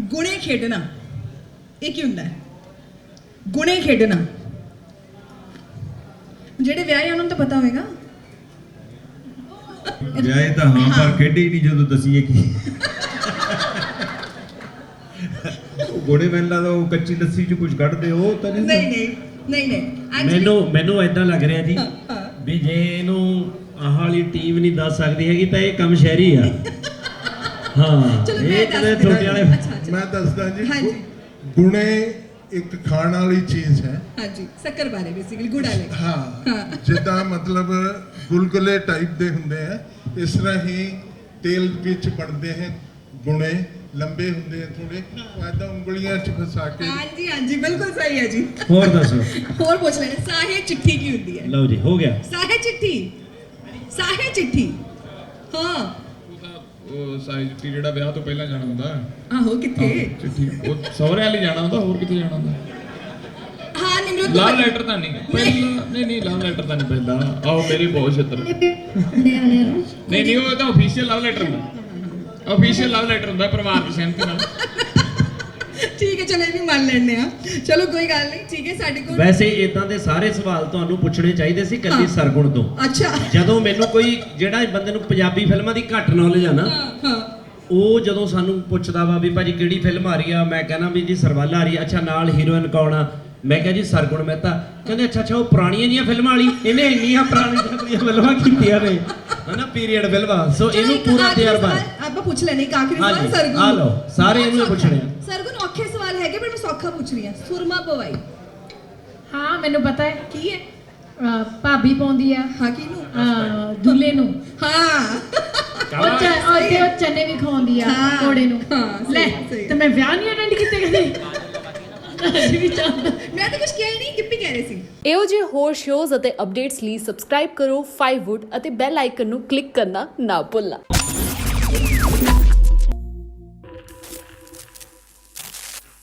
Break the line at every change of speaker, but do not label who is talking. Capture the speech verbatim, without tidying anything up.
ਗੁਣੇ ਖੇਡਣਾ ਇਹ ਕੀ ਹੁੰਦਾ ਹੈ? ਗੁਣੇ ਖੇਡਣਾ ਜਿਹੜੇ ਵਿਆਹੇ ਉਹਨਾਂ ਨੂੰ ਤਾਂ ਪਤਾ ਹੋਵੇਗਾ।
ਵਿਆਹੇ ਤਾਂ ਹਾਂ ਪਰ ਖੇਡੇ ਹੀ ਨਹੀਂ ਜਦੋਂ ਦਸੀਏ ਕੀ। ਗੋੜੇ ਮੈਨਾਂ ਦਾ ਉਹ ਕੱਚੀ ਲੱਸੀ ਚ ਕੁਝ ਕੱਢਦੇ ਉਹ ਤਾਂ ਨਹੀਂ
ਨਹੀਂ ਨਹੀਂ ਨਹੀਂ ਨਹੀਂ
ਮੈਨੂੰ ਮੈਨੂੰ ਇਦਾਂ ਲੱਗ ਰਿਹਾ ਜੀ ਵੀ ਜੇ ਇਹਨੂੰ ਆਹ ਵਾਲੀ ਟੀਮ ਨਹੀਂ ਦੱਸ ਸਕਦੀ ਹੈਗੀ ਤਾਂ ਇਹ ਕੰਮ ਸ਼ਹਿਰੀ ਆ। ਹਾਂ
ਚਲੋ ਮੈਂ
ਇਹ
ਦੱਸ
ਕਿਤੇ ਤੁਹਾਡੇ ਵਾਲੇ
ਮੈਂ ਦੱਸਦਾ ਜੀ
ਹਾਂਜੀ।
ਗੁਣੇ ਇੱਕ ਖਾਣ ਵਾਲੀ ਚੀਜ਼ ਹੈ।
ਹਾਂਜੀ ਸ਼ੱਕਰ ਬਾਰੇ ਬੇਸਿਕਲੀ ਗੁੜ ਵਾਲੇ।
ਹਾਂ ਜਿੱਦਾਂ ਮਤਲਬ ਗੁਲਗੁਲੇ ਟਾਈਪ ਦੇ ਹੁੰਦੇ ਆ ਇਸ ਤਰ੍ਹਾਂ ਹੀ ਤੇਲ ਵਿੱਚ ਬਣਦੇ ਹੈ ਗੁਣੇ ਲੰਬੇ ਹੁੰਦੇ ਆ ਥੋੜੇ ਐਦਾਂ ਉਂਗਲੀਆਂ 'ਚ ਫਸਾ ਕੇ।
ਹਾਂਜੀ ਹਾਂਜੀ ਬਿਲਕੁਲ ਸਹੀ ਹੈ ਜੀ।
ਹੋਰ ਦੱਸੋ
ਹੋਰ ਪੁੱਛ ਲੈਣੇ ਸਾਹੇ ਚਿੱਠੀ ਕੀ ਹੁੰਦੀ ਹੈ?
ਲਓ ਜੀ ਹੋ ਗਿਆ।
ਸਾਹੇ ਚਿੱਠੀ ਸਾਹੇ ਚਿੱਠੀ ਹਾਂ
ਉਹ ਸਾਈ ਚਿੱਠੀ ਜਿਹੜਾ ਵਿਆਹ ਤੋਂ ਪਹਿਲਾਂ ਜਾਣਾ ਹੁੰਦਾ।
ਆਹੋ ਕਿੱਥੇ?
ਚਿੱਠੀ ਉਹ ਸਹੁਰਿਆਂ ਲਈ ਜਾਣਾ ਹੁੰਦਾ, ਹੋਰ ਕਿੱਥੇ ਜਾਣਾ ਹੁੰਦਾ?
ਹਾਂ ਨਿਮਰਤ
ਲਵ ਲੈਟਰ ਤਾਂ ਨਹੀਂ ਪਹਿਲਾਂ। ਨਹੀਂ ਨਹੀਂ ਲਵ ਲੈਟਰ ਤਾਂ ਨਹੀਂ ਪਹਿਲਾਂ। ਆਓ ਮੇਰੀ ਬਹੁਤ ਛਿੱਤਰ। ਨਹੀਂ ਨਹੀਂ ਉਹ ਤਾਂ ਅਫੀਸ਼ੀਅਲ ਲਵ ਲੈਟਰ ਹੁੰਦਾ। ਅਫੀਸ਼ੀਅਲ ਲਵ ਲੈਟਰ ਹੁੰਦਾ ਪਰਿਵਾਰ ਦੀ ਸਹਿਮਤੀ ਨਾਲ।
ਠੀਕ ਹੈ ਚਲੋ ਇਹ ਵੀ ਮੰਨ ਲੈਣੇ ਆ। ਚਲੋ ਕੋਈ ਗੱਲ ਨਹੀਂ ਠੀਕ ਹੈ ਸਾਡੇ ਕੋਲ
ਵੈਸੇ ਇਦਾਂ ਦੇ ਸਾਰੇ ਸਵਾਲ ਤੁਹਾਨੂੰ ਪੁੱਛਣੇ ਚਾਹੀਦੇ ਸੀ ਕੱਲੀ ਸਰਗੁਣ ਤੋਂ।
ਅੱਛਾ
ਜਦੋਂ ਮੈਨੂੰ ਕੋਈ ਜਿਹੜਾ ਬੰਦੇ ਨੂੰ ਪੰਜਾਬੀ ਫਿਲਮਾਂ ਦੀ ਘੱਟ ਨੌਲੇਜ ਆ ਨਾ
ਹਾਂ ਹਾਂ
ਉਹ ਜਦੋਂ ਸਾਨੂੰ ਪੁੱਛਦਾ ਵਾ ਵੀ ਭਾਜੀ ਕਿਹੜੀ ਫਿਲਮ ਆ ਰਹੀ ਆ ਮੈਂ ਕਹਿੰਦਾ ਵੀ ਜੀ ਸਰਵਾਲਾ ਆ ਰਹੀ ਆ। ਅੱਛਾ ਨਾਲ ਹੀਰੋਇਨ ਕੌਣ ਆ? ਮੈਂ ਕਿਹਾ ਜੀ ਸਰਗੁਣ ਮਹਿਤਾ। ਕਹਿੰਦੇ ਅੱਛਾ ਅੱਛਾ ਉਹ ਪੁਰਾਣੀਆਂ ਜੀਆਂ ਫਿਲਮਾਂ ਵਾਲੀ। ਇਹਨੇ ਇੰਨੀਆਂ ਪੁਰਾਣੀਆਂ ਫਿਲਮਾਂ ਕੀਤੀਆਂ ਨੇ ਹਨਾ ਪੀਰੀਅਡ ਫਿਲਮਾਂ। ਸੋ ਇਹਨੂੰ ਪੂਰਾ ਤਜਰਬਾ ਹੈ।
ਆਪਾਂ ਪੁੱਛ ਲੈਣੇ ਇੱਕ ਆਖਰੀ ਸਵਾਲ
ਹਾਂਜੀ
ਸਰਗੁਣ
ਆ ਲਓ ਸਾਰੇ ਇਹਨੂੰ ਪੁੱਛਣੇ ਆ।
ਸਰਗੁਣ ਔਖੇ ਸਵਾਲ ਹੈਗੇ ਪਰ ਮੈਂ ਸੌਖਾ ਪੁੱਛ ਰਹੀ ਹਾਂ। ਸੁਰਮਾ ਪਵਾਈ
ਹਾਂ ਮੈਨੂੰ ਪਤਾ ਹੈ।
ਕੀ ਹੈ?
ਅਹ ਭਾਬੀ ਪਾਉਂਦੀ ਆ
ਹਾਂ ਕਿਹਨੂੰ?
ਅਹ ਦੁੱਲੇ ਨੂੰ।
ਹਾਂ
ਉਹ ਚ ਉਹ ਤੇ ਉਹ ਚਨੇ ਵੀ ਖਵਾਉਂਦੀ ਆ
ਹਾਂ,
ਘੋੜੇ ਨੂੰ।
ਹਾਂ, ਸਹੀ,
ਲੈ
ਸਹੀ।
ਤੇ ਮੈਂ ਵਿਆਹ ਨਹੀਂ ਅਟੈਂਡ ਕੀਤੇ ਕਦੇ। ਅਸੀਂ ਵੀ ਚਾਹੁੰਦੇ
ਮੈਂ ਤਾਂ ਕੁਝ ਕਿਹਾ ਹੀ ਨਹੀਂ। ਗਿੱਪੀ ਕਹਿ ਰਹੇ ਸੀ।
ਇਹੋ ਜਿਹੇ ਹੋਰ ਸ਼ੋਜ਼ ਅਤੇ ਅਪਡੇਟਸ ਲਈ ਸਬਸਕ੍ਰਾਈਬ ਕਰੋ ਫਾਈਵ ਵੁੱਡ ਅਤੇ ਬੈਲ ਆਈਕਨ ਨੂੰ ਕਲਿੱਕ ਕਰਨਾ ਨਾ ਭੁੱਲਣਾ।